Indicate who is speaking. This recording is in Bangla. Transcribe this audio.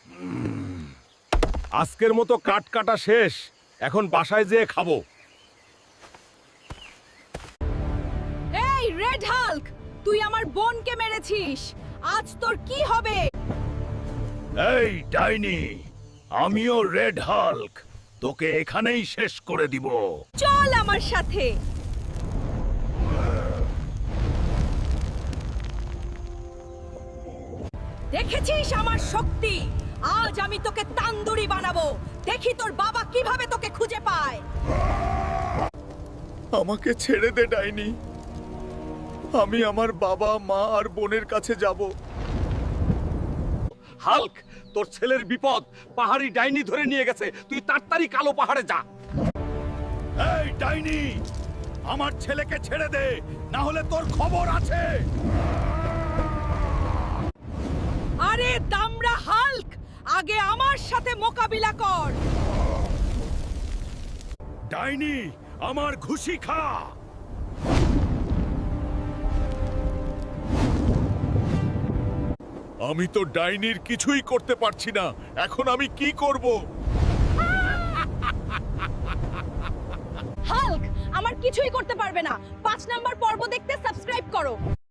Speaker 1: আজকের মতো কাট কাটা শেষ, এখন বাসায় যেয়ে খাবো।
Speaker 2: এই রেড হাল্ক, তুই আমার বোনকে মেরেছিস, আজ তোর কি হবে?
Speaker 1: এই ডাইনি, আমিও রেড হাল্ক, তোকে এখানেই শেষ করে দিব।
Speaker 2: চল আমার সাথে। দেখেছিস আমার শক্তি? আজ আমি তোকে তান্দুরি বানাবো, দেখি তোর বাবা কিভাবে তোকে খুঁজে পায়।
Speaker 3: আমাকে ছেড়ে দে ডাইনি, আমি আমার বাবা মা আর বোনের কাছে যাব।
Speaker 1: হাল্ক, তোর ছেলের বিপদ, পাহাড়ি ডাইনি ধরে নিয়ে গেছে, তুই তাড়াতাড়ি কালো পাহাড়ে যা। এই ডাইনি, আমার ছেলেকে ছেড়ে দে, না হলে তোর খবর আছে।
Speaker 2: আরে দামড়া হাল্ক, আগে আমার সাথে মোকাবিলা কর।
Speaker 1: ডাইনি, আমার ঘুষি খা।
Speaker 3: আমি তো ডাইনির কিছুই করতে পারছি না, এখন আমি কি করব?
Speaker 2: হাল্ক আমার কিছুই করতে পারবে না। 5 নাম্বার পর্ব দেখতে সাবস্ক্রাইব করো।